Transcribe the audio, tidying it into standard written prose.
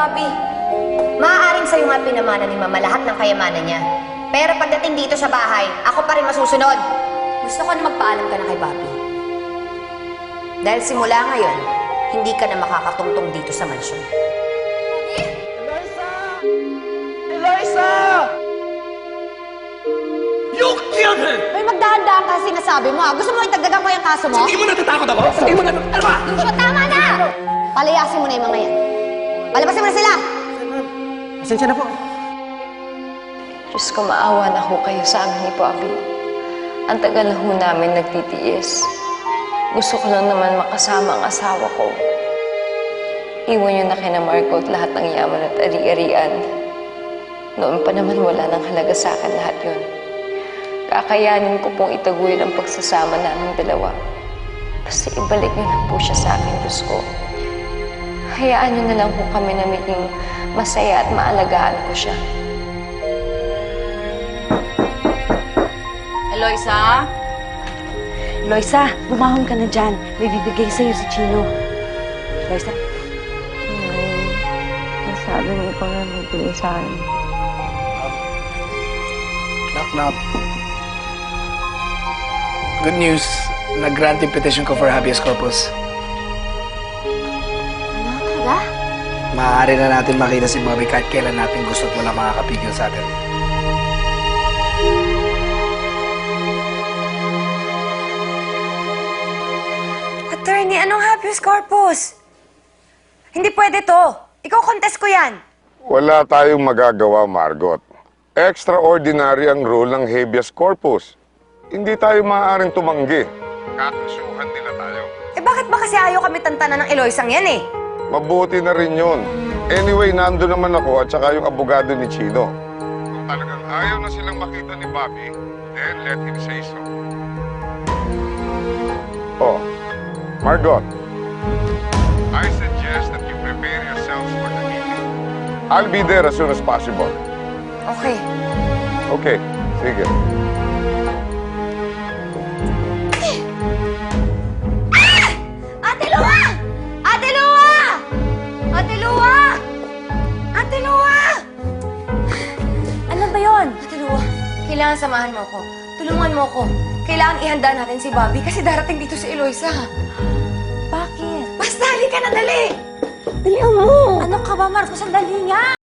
Bobby. Maaaring sa'yo nga pinamana ni Mama lahat ng kayamanan niya. Pero pagdating dito sa bahay, ako pa rin masusunod. Gusto ko na magpaalam ka na kay Bobby. Dahil simula ngayon, hindi ka na makakatungtong dito sa mansyon. Eliza! You killed her! Ay, magdahan-dahan ka sinasabi mo, ha? Gusto mo itagdagan ko yung kaso mo? Hindi mo natatakot ako? Hindi mo natatakot? Ano ba? Lucio, tama na! Palayasin mo na yung mga yan. Palabasin mo na sila! Pasensya na po. Diyos ko, maawa na ho kayo sa amin ni Bobby. Ang tagal na ho namin nagtitiis. Gusto ko lang naman makasama ang asawa ko. Iwan niyo na kina Marco at lahat ng yaman at ari-arian. Noon pa naman wala nang halaga sa akin lahat yun. Kakayanin ko pong itaguyod ang pagsasama naming dalawa. Basta ibalik niyo lang po siya sa akin, Diyos ko. Hayaan niyo na lang po kami na maging masaya at maalagaan ko siya. Eloisa? Eloisa, bumahon ka na dyan. May bibigay sa'yo si Chino. Eloisa? Masabi mo pa nga magbigay sa akin. Knock, knock. Good news. Nag-grant yung petition ko for habeas corpus. Ano talaga? Maaari na natin makita si Bobby kahit kailan natin gusto at wala makakapigil sa atin. Attorney, anong habeas corpus? Hindi pwede to. Ikaw contest ko yan. Wala tayong magagawa, Margot. Extraordinary ang rule ng habeas corpus. Hindi tayo maaaring tumanggi. Kakasuhan nila tayo. Eh bakit ba kasi ayaw kami tantanan ng Eloisang yan eh? Mabuti na rin yun. Anyway, nando naman ako at saka yung abogado ni Chino. Kung talagang ayaw na silang makita ni Bobby, then let him say so. Oh, Margot, I suggest that you prepare yourselves for the meeting. I'll be there as soon as possible. Okay. Okay, sige. Ate Lua! Ate Lua! Ate Lua! Ate Lua! Ano ba yon? Ate Lua, kailangan samahan mo ko. Tulungan mo ko. Kailangan ihanda natin si Bobby kasi darating dito si Eloisa. Bakit? Basta, halika na, dali! Dalihan mo! Ano ka ba, Marcos? Ang dali nga!